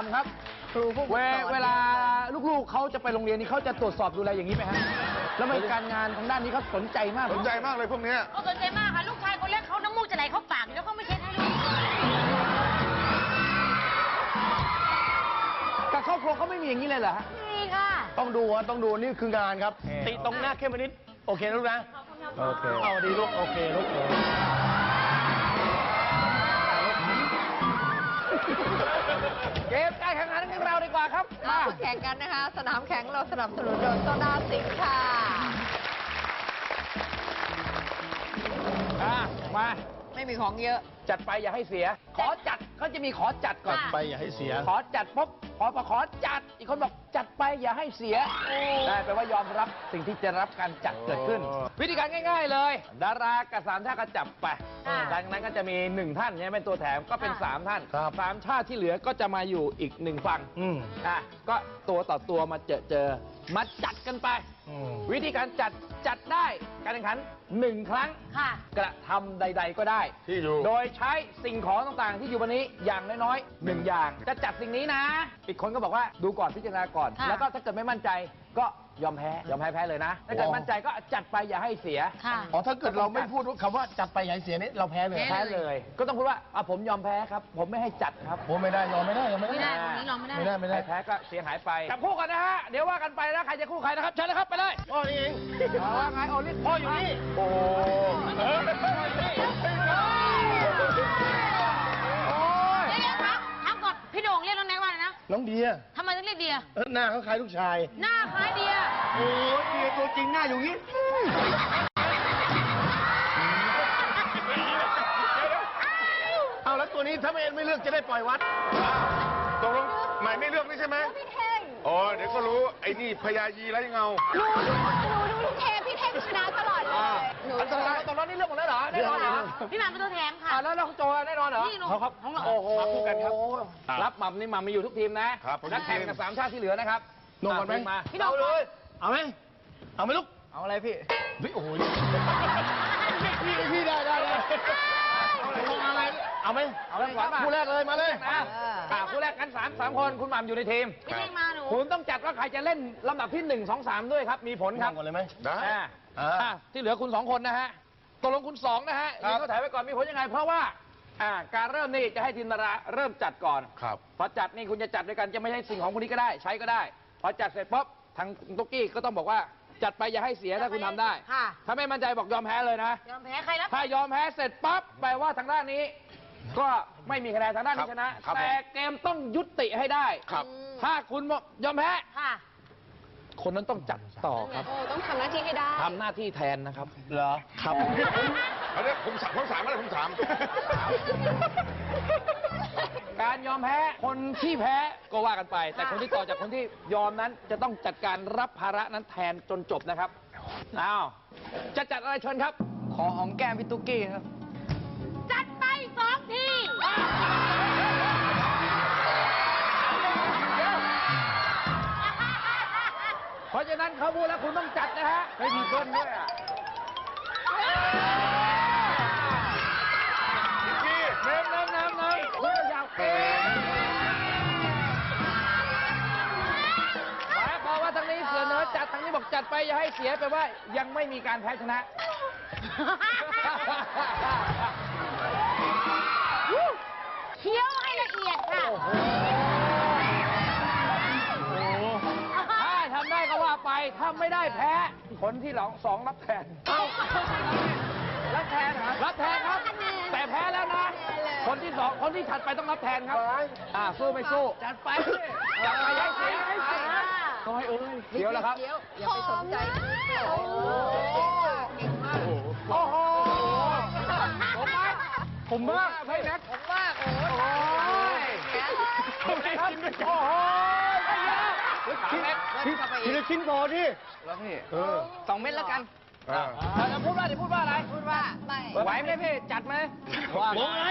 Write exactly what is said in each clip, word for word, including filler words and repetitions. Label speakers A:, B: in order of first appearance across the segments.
A: ม่ำครับครูผู้เวลาลูกๆเขาจะไปโรงเรียนนี้เขาจะตรวจสอบดูแลอย่างนี้ไหมฮะแล้วมีการงานทางด้านนี้เขาสนใจมาก
B: สนใจมากเลยพวกนี้
C: เขาสนใจมากค่ะลูกชายคนเล็กเขาน้ำมูกจะไหลเข้าปากแล้วเขาไม่เช็ดให้ลูก
A: แต่ครอบครัวเขาไม่มีอย่างนี้เลยเหรอฮะ
C: มีค่ะ
D: ต้องดูฮะต้องดูนี่คืองานครับติตรงหน้าเข้มนิดโอเคลูกนะ
A: โอเค
D: เอาดีลูกโอเคลูก
A: เกมการแข่งขันของเราดีกว่าครับ
E: มาแข่งกันนะคะสนามแข่งเราสนับสนุนโดยโซดาสิงค์ค่ะ
A: มา
E: ไม่มีของเยอะ
A: จัดไปอย่าให้เสียขอจัดเขาจะมีขอจัดก่อน
D: ไปอย่าให้เสีย
A: ขอจัดปุ๊บพอพอขอจัดอีกคนบอกจัดไปอย่าให้เสียได้แปลว่ายอมรับสิ่งที่จะรับการจัดเกิดขึ้นวิธีการง่ายๆเลยดารากับสามชาติก็จับไปดังนั้นก็จะมีหนึ่งท่านเนี่ยเป็นตัวแถมก็เป็นสามท่านสามชาติที่เหลือก็จะมาอยู่อีกหนึ่งฝั่งอ่ะก็ตัวต่อตัวมาเจอเจอมาจัดกันไปวิธีการจัดจัดได้การแข่งขันหนึ่งครั้งกระทำใดๆก็ได้
B: ที่อยู่
A: โดยใช้สิ่งของต่างๆที่อยู่บนนี้อย่างน้อยๆหนึ่งอย่างจะจัดสิ่งนี้นะอีกคนก็บอกว่าดูก่อนพิจารณาก่อนแล้วก็ถ้าเกิดไม่มั่นใจก็ยอมแพ้ยอมแพ้แพ้เลยนะถ้าเกิดมั่นใจก็จัดไปอย่าให้เสีย
D: อ๋อถ้าเกิดเราไม่พูดคำว่าจัดไปอย่าให้เสียนี่เราแพ้เลย
A: แพ้เลยก็ต้องพูดว่าอ่ะผมยอมแพ้ครับผมไม่ให้จัดครับ
D: ผมไม่ได้ยอมไม่ได้ยอมไม่
C: ได้ไม่ได้ตรงนี้ยอมไม่ได้
D: ไม่ได้ไม่ได้
A: แพ้ก็เสียหายไปจับคู่กันนะฮะเดี๋ยวว่ากันไปนะใครจะคู่ใครนะครับเชิญเลยครับไปเลย
D: พ่อนี่เอง
A: ว่าไงโอลิสพ่ออยู่นี่
D: โอ้
C: เดี๋ยวครับถามก่อนพี่โด่งเรียกน้องแน็กว่าอะไรนะ
D: น้องเดีย
C: ทำไมต้องเรียกเดีย
D: หน้าเขาคล้ายลูกชาย
C: หน้าคล้ายเดีย
D: โอ้เดียตัวจริงหน้าอยู่งี้เอาแล้วตัวนี้ถ้าไม่ไม่เลือกจะได้ปล่อยวัด
B: ตกลงหมายไม่เลือกนี่ใช่ไหม
E: พี่เท่ง
B: อ๋อเดี๋ยวก็รู้ไอ้นี่พญายีไรเงา
E: หนูดูหนูดูพี่เท่พี่เท่งชนะตลอดเลยหนู
A: ตอนนั้นตอนนั้นนี่เลือกหมดแล้วเหรอแน่นอนเหรอ
C: พี่หม่ำเป็นตัวแถมค่ะ
A: แล้วน้องโจแน่นอนเหรอ
C: นี่หนู
A: ครับโอ้โหคู่กันครับรับหม่ำนี่หม่ำมีอยู่ทุกทีมนะนักแข่งกับสามชาติที่เหลือนะครับ
D: ลงก่อนไหม
C: พี่โด่ง
D: เลยเอาไหมเอาไหมลูก
A: เอาอะไรพี่
D: พี่โอ้โหพี่พี่ได้ได้ได้เอาอะไรเอาไหม
A: เอาเริ่มก่อน
D: คู่แรกเลยมาเลย
A: อ่าคู่แรกกันสามสามคนคุณหม่ำอยู่ในทีม
C: พี่เท่งมาหนู
A: คุณต้องจัดว่าใครจะเล่นลำดับที่หนึ่งสองสามด้วยครับมีผลครับ
D: ก่อนเลยไหม
B: ได้
A: ที่เหลือคุณสองคนนะฮะตกลงคุณสองนะฮะยิงเขาถ่ายไว้ก่อนมีผลยังไงเพราะว่าอ่าการเริ่มนี่จะให้ทีมดาราเริ่มจัดก่อน
B: ครับ
A: พอจัดนี่คุณจะจัดด้วยกันจะไม่ใช่สิ่งของคนนี้ก็ได้ใช้ก็ได้พอจัดเสร็จปุ๊บทางตุ๊กกี้ก็ต้องบอกว่าจัดไปอย่าให้เสียถ้าคุณทำได้ถ้าไม่มั่นใจบอกยอมแพ้เลยนะ
C: ยอมแพ้ใครรับ
A: ถ้ายอมแพ้เสร็จปั๊บแปลว่าทางด้านนี้ก็ไม่มีคะแนนทางด้านนี้ชนะแต่เกมต้องยุติให้ได้ถ้าคุณยอมแพ้คนนั้นต้องจัดต่อครับ
E: ต้องทำหน้าที่ให้ได้
A: ทำหน้าที่แทนนะครับ
D: เหรอ
A: ครับ
B: อันนี้ผมสามผมสามอะไรผมสาม
A: การยอมแพ้คนที่แพ้ก็ว่ากันไปแต่คนที่ต่อจากคนที่ยอมนั้นจะต้องจัดการรับภาระนั้นแทนจนจบนะครับอ้าวจะจัดอะไรเชิญครับขอหอมแก้มพี่ตุ๊กกี้ครับ
C: จัดไปสองที
A: เพราะฉะนั้นเขาพูดแล้วคุณต้องจัดนะฮะไม่มีเพื่อนด้วยอ่ะเน้นเน้นเน้นเน้นเพื่อยาวเกินหมายความว่าทางนี้เสนอจัดทางนี้บอกจัดไปอย่าให้เสียไปว่ายังไม่มีการแพ้ชนะ
C: เคี้ยวให้ละเอียดค่ะ
A: ถ้าทำได้ก็ว่าไปถ้าไม่ได้แพ้คนที่หลังสองรับแทนรับแทนรับแทนครับแต่แพ้แล้วนะคนที่สองคนที่ถัดไปต้องรับแทนครับอ่าสู้ไม่สู้จัดไปจัดไปย้ายเสียย้ายเสียน้อยเอ้ยเดี๋ยวแล้วครับ
E: อย่าไปสนใจโอ้เก่งมาก
A: โอ้โหผมมากผมมากไม่นักผมมากโอ้ยผมไม่ครับโอ้โห
D: ทีละชิ้นพอที่
A: แล้วพี่สองเม็ดแล้วกันจะพูดว่าจะพูดว่าอะไร
E: พูดว่าไม่
A: ไหวไหมพี่จัดไหม
D: ว่าไง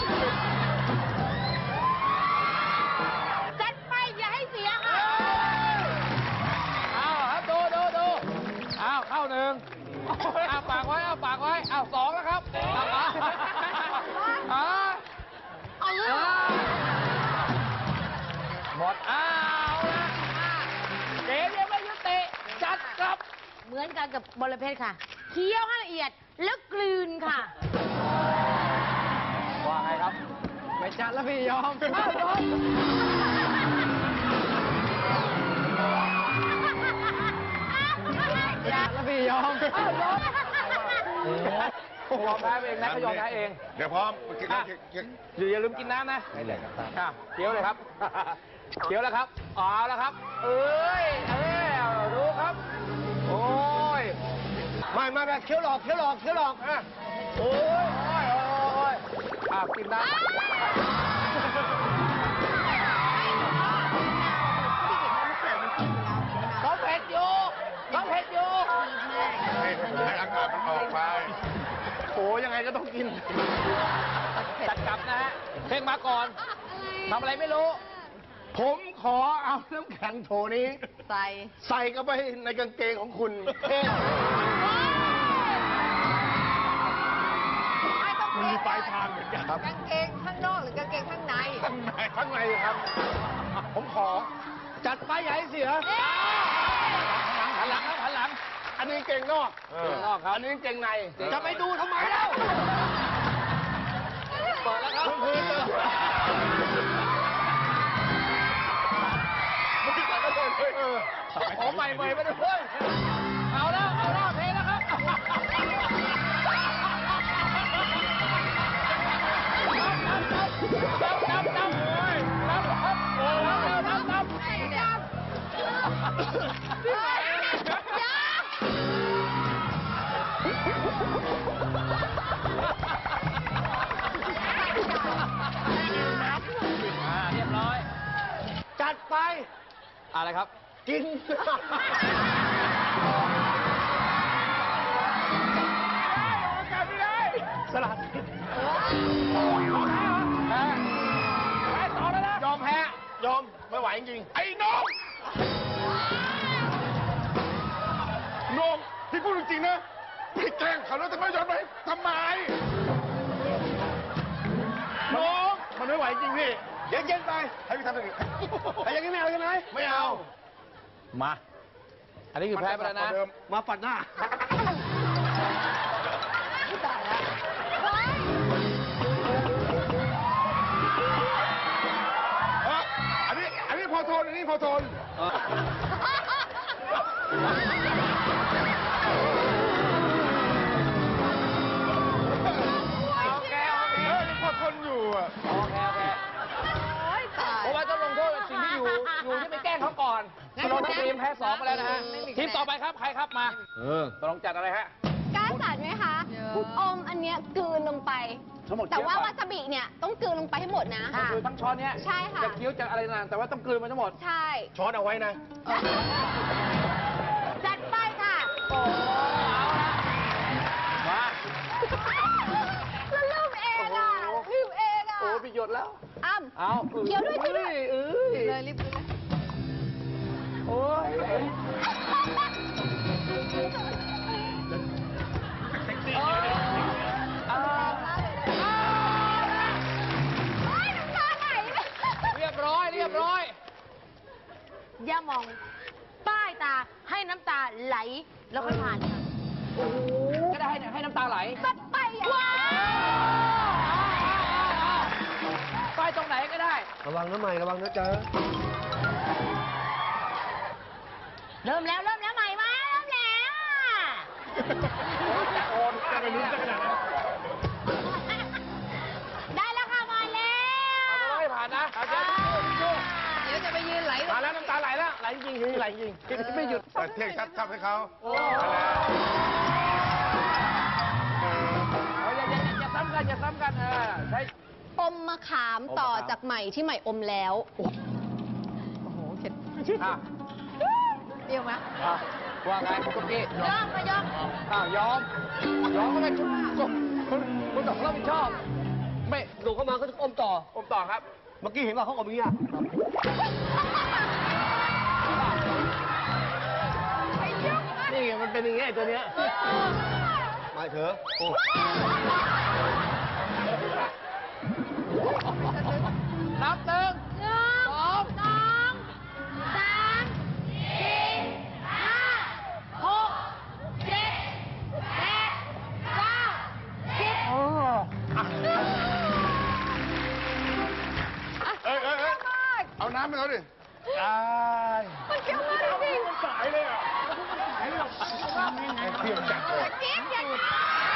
C: จัดไปอย่าให้เสียค่ะ
A: เอาครับดูดูดูเอาเข้าหนึ่งเอาปากไว้เอาปากไว้เอาสองแล้วครับเอาเอาเอาหมดอ้าวละเกมยังไม่ยุติจัดกลับ
C: เหมือนกันกับบอระเพ็ดค่ะเคี้ยวให้ละเอียดแล้วกลืนค่ะ
A: ว่าไงครับ ไม่จัดแล้วพี่ยอมอ้าวยอมจัดแล้วพี่ยอมอ้าวยอมยอมแพ้เองนะก็ยอมแพ้เอง
B: เดี๋ยวพร้อม
A: อ่ะ อยู่อย่าลืมกินน้ำนะไม่เลยครับเคี้ยวเลยครับเคี้ยวแล้วครับเอาแล้วครับ เอ้ยเอ้ยดูครับ โอ้ยไม่ไม่ไม่เคี้ยวหลอกเคี้ยวหลอกเคี้ยวหลอกอ่ะโอ้ยโอ้ยโอ้ยอ่ะกินน้ำเขาเผ็ดอยู่เขาเผ็ดอยู่
B: ให้ให้อากาศมันออกไป
A: โอ้ยังไงก็ต้องกินจัดกลับนะฮะเพลงมาก่อนทำอะไรไม่รู้
D: ผมขอเอาน้ำแข็งโถนี้
E: ใส่
D: ใส่เข้าไปในกางเกงของคุณเท่
E: ไม่ต้อง
D: มันมีปลายทางเหมือนกันครับ
E: กางเกงข้างนอกหรือกางเกงข้างใน
D: ข้างในข้างในครับ ผมขอ จัดไปอย่าให้เสีย
A: หันหลังครับหันหลัง
D: อันนี้เกงนอก
A: เกงนอกครับ
D: อันนี้เกงใน
A: เกงใน
D: จะไปดูทำไมเล่า
A: เปิดแล้วครับ
D: คือจะ
A: ขอใหม่ใหม่ไปด้วยเอาแล้วเอาแล้วเพลงแล้วครับนับนับนับนับครับโอ้นับนับนับ อ่าเรียบร้อย
D: จัดไป
A: อะไรครับ
D: กิน สลัด
A: แพ้แพ้ต่อแล้วนะ
D: ยอมแพ้ ยอม ไม่ไหวจริง
B: ไอ้น้องน้องพี่พูดจริงๆนะพี่แกล้งเขาแล้วจะไม่ยอมไปทำไม
D: ๆน้องมันไม่ไหวจริงพี่ เย็นๆไป
B: ให้พี่ทำอย่างนี้
D: ไอ้อย่างนี้ไม่เอาใช่ไหมไม่เอา
A: มา อันนี้คือแพ้ไปแล้วนะ
D: มาปัดหน้า
B: เอออันนี้ อันนี้พอทน อันนี้พอทน
A: โอเค โอเค
B: เออนี่พอทนอยู่อ่ะ
A: โอเค โอเค
E: โอ้ยตาย
A: เพราะว่าต้องลงโทษสิ่งที่อยู่ อยู่ที่ไปแกล้งเขาก่อนเราทีมแพ้สองไปแล้วนะฮะ ทีมต่อไปครับ ใครครับมา เออตกลงจัดอะไรฮะ
F: กล้าจัดไหมคะ อมอันเนี้ยกลืนลงไป
A: ทั้งหมด
F: แต่ว่า
A: เคี้ยวก่
F: วา
A: อน
F: ซาบิเนี่ยต้องกลืนลงไปให้หมดนะ
A: ก็คือทั้งช้อนเนี้ย
F: ใช่ค่ะ
A: จะเคี้ยวจะอะไรนานแต่ว่าต้องกลืนมันทั้งหมด
F: ใช่
D: ช้อนเอาไว้นะ
C: จัดไปค่ะ
A: โอ้เอาละมา
F: แล้วลืมเองอ่ะลืมเองอ่ะ
A: โอ้พี่หยดแล้ว
F: อ้ำ
A: เอา
F: เคี้ยวด้วยเคี้ยวด้วย
A: เอ้ย
E: เลยรีบเลย
A: โอ้ย อ่า
F: เฮ้ยน้ำตาไหล
A: เรียบร้อยเรียบร้อย
C: อย่ามองป้ายตาให้น้ำตาไหลแล้วค่อยผ่านค่ะ
A: ก็ได้ให้ให้น้ำตาไหล
F: จัดไปอ่ะ
A: ไปตรงไหนก็ได้
D: ระวังนะใหม่ระวังนะจ๊ะ
C: เริ่มแล้วเริ่มแล้วใหม่มาเริ่มแล้ว
A: โอนจะไปลุ้นจะขนาดนั้น
C: ได้แล้วค่ะมาแล้
A: เอา
C: ว
A: ไม่ผ่านนะเอาเจ๊
E: เดี๋ยวจะไปยืนไหล
A: มาแล้วน้ำตาไหลแล้วไหลจริงๆไหลจริงไม่หยุด
B: แต่เที่ยงชัดทับให้เขา
A: โอ้ยอย่าอย่าอย่าซ้ำกันอย่าซ้ำกันเออใช้
F: อมมะขามต่อจากใหม่ที่ใหม่อมแล้ว
E: โอ้โหเข็ด
A: อ่ะ
E: เปรี้ยวไหม
A: อ่ะว่าไงคุณตุ๊กกี้
C: ยอมมายอม
A: อ่ะยอมยอมก็ได้คุณคุณคุณคุณต้องรับผิดชอบไม่
D: ดูเข้ามาก็จะอมต่อ
A: อมต่อครับ
D: เมื่อกี้เห็นว่าเขาอมอย่างนี้อ่ะนี่ไงมันเป็นอย่างงี้ไอ้ตัวเนี้ยมาเถอะโอ้
A: นับหนึ่งสองสาม
B: ให้เขาดิ
A: ตาย
E: มันเกี่ยวมากจริง
B: สายเลยอ่ะเพียงจัดเลย
E: ๆจี๊ดอย่างนี้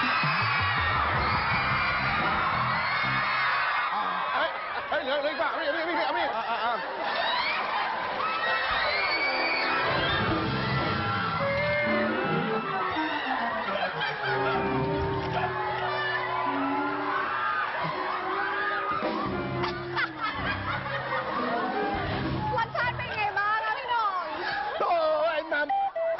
B: เฮ้ยเฮ้ยเหลือเหลืออีกป่ะเอามีดเอามีดเอามีดเอามีด
E: รสชาติเป็นไงบ้างอะพี่หน่อง
A: โอ้ยน้ำใจ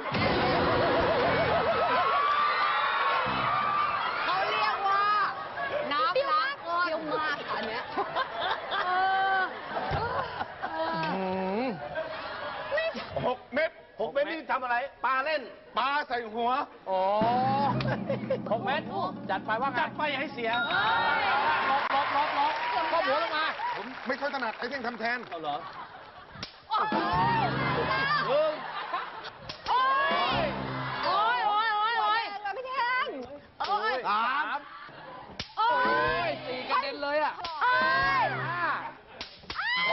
E: เขาเรียกว่า น้ำล้างก้อนเปรี้ยวมากอันเนี้ยเออเออ
B: หกเม็ด
A: หกเม็ดนี่ทำอะไรปลาเล่น
B: ปลาใส่หัว
A: โอ้หกเม็ดจัดไปว่าไงจัดไปอย่าให้เสียลบลบลบลบข้อหัวลงมา
B: ผมไม่ค่อยถนัดไอ้เท่งทำแทน
A: เอาเหรอ
E: โอ้ย
A: หนึ่ง
E: โอ้ยโอ้ยโอ้ยโอ้ยโอ้ยพี่แทงโอ้ย
A: สาม
E: โอ้ย
A: สี่กระเด็นเลยอ่ะ
E: โอ้ย
A: ห้า
E: หม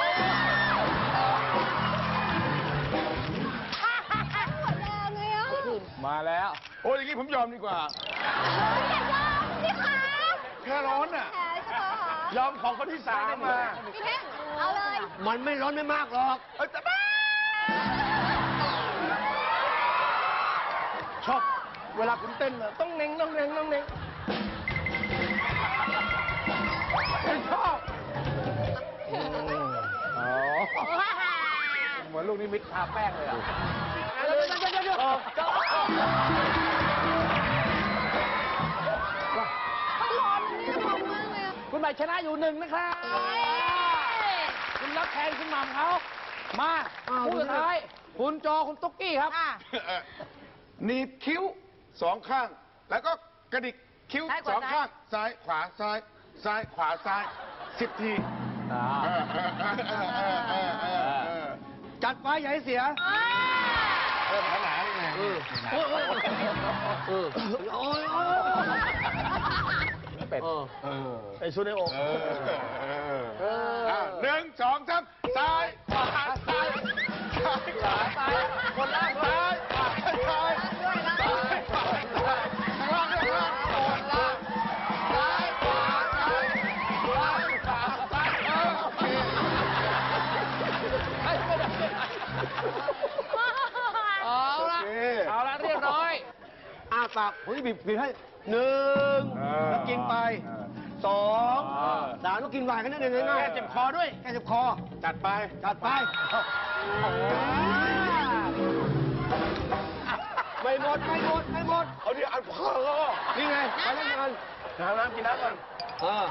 E: ดแรงเลยอ่ะ
A: มาแล้ว
B: โอ้ยอย่างนี้ผมยอมดีกว่า
E: อย่ายอมพี่ขา
B: แค่ร้อนอ่ะ
E: แผลใช่ไหมคะ
A: ยอมของคนที่สามมา
E: พี่แทงเอาเลย
A: มันไม่ร้อนไม่มากหรอก
B: เอ้ยแต่บ้า
A: ชอบ เวลาคุณเต้นน่ะต้องเน่งต้องเน่งต้องเน่งชอบอ๋อเหมือนลูกนิมิตทาแป้งเลยอ่ะเดี๋ยวเดี๋ยวเดี๋ยวเดี๋ยว
E: มันร้อนนี่ร้อนมากเลยอะ
A: คุณใหม่ชนะอยู่หนึ่งนะครับ คุณรับแทนคุณหม่ำเขา มาคู่สุดท้าย คุณโจคุณตุ๊กกี้ครับ
B: หนีบคิ้วสองข้าง แล้วก็กระดิกคิ้วสองข้าง ซ้ายขวาซ้าย ซ้ายขวาซ้ายสิบทีเออเออเออเออเออเออเออ
A: จัดไปอย่าให้เสีย
B: เพิ่มขนาดนี่ไง
A: โอ้ยโอ้ยโอ้ยโอ้ยโอ้ยเป็ดไอชุดไอโอ
B: เออเอออ่ะหนึ่งสองสามซ้ายขวาซ้ายซ้ายขวาซ้ายคนล่างซ้ายขวาซ้ายซ้ายขวาซ้ายข้างล่างข้างล่างคนล่างซ้ายขวาซ้ายซ้ายขวาซ้ายเออโอเค
A: เอาละเอาละเรียบร้อยอ้าปากผมจะบีบบีบให้หนึ่งแล้วกินไปสองสามแล้วกินวายกันนิดนึงง่ายๆแก้เจ็บคอด้วยแก้เจ็บคอ
B: จัดไป
A: จัดไปไม่หมดไม่หมดไม่หมด
B: เอาดิอันพ่อ
A: นี่ไงไปเล่นกันน้ำน้ำกินน้ำก่อนเออ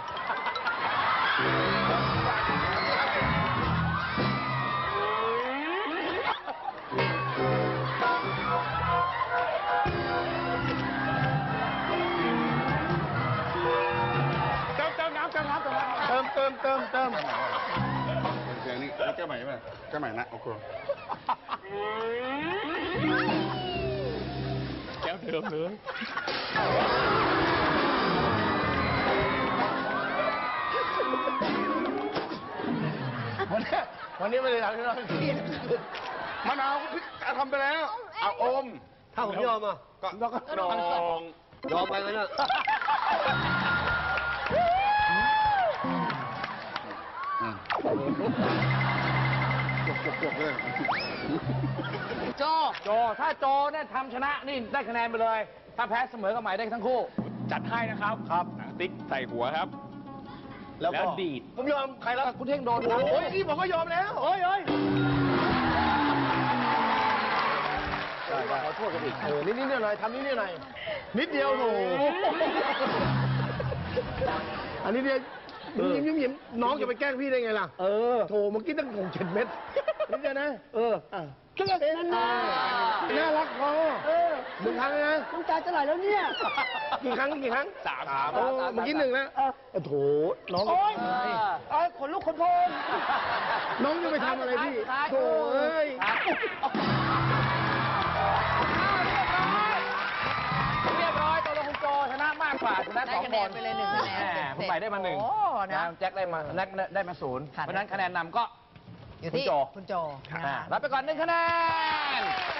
A: เติมเติมน้ำเติมน้ำเติมน้ำเติมเติมเติมเติม
B: เดี๋ยวนี้แก้ใหม่ไหมแก้ใหม่นะโอเค
A: แก้วเดิมเลย วันนี้วันนี้ไม่ได้ทำที่เราเครียด
B: มะนาวพริกทำไปแล้วเอาอม
A: ถ้าผมยอมอ่ะ
B: ก็
A: แล้วก็
B: นอง
A: ยอมไปงั้นอ่ะ
B: จบจบเลย
A: โจ โจ ถ้าโจเนี่ยทำชนะนี่ได้คะแนนไปเลย ถ้าแพ้เสมอกับใหม่ได้ทั้งคู่
G: จัดให้นะครับ
A: ครับ
G: ติ๊กใส่หัวครับ
A: แล้วก็
G: แล้วดีด
A: ผมยอมใครแล้วคุณเท่งโดนโอ้ยนี่ผมก็ยอมแล้วโอ้ยโอ้ยขอโทษกันอีกเออนิดนิดหน่อยหน่อยทำนิดนิดหน่อยนิดเดียวโถอันนี้เดียวยิ้มยิ้มยิ้มน้องจะไปแกล้งพี่ได้ไงล่ะ เออโถเมื่อกี้ตั้งหกเจ็ดเม็ดนิดเดียวนะ เออก็นั่นน่ะน่ารักพอหนึ่งครั้งนะน้ำตาจะไหลแล้วเนี่ยกี่ครั้งกี่ครั้ง
G: สาม
A: โอ้เมื่อกี้หนึ่งนะโอ้โถน้องโอ้ยเอ้ยขนลุกขนพองน้องจะไปทำอะไรพี่โถเอ้ยเรียบร้อยตัวละคุณโจชนะมากกว่าชนะสองคน
E: ได้คะแนนไปเลยหนึ่งคะแนน
A: คุณใหม่ได้มาหนึ่ง
E: โอ้นะ
A: แจ็คได้มาแน็กได้มาศูนย์เพราะฉะนั้นคะแนนนำก็
E: อยู่
A: คุณ
E: ที่
A: โจ
E: คุณโจ
A: อ่ารับไปก่อนหนึ่งคะแนน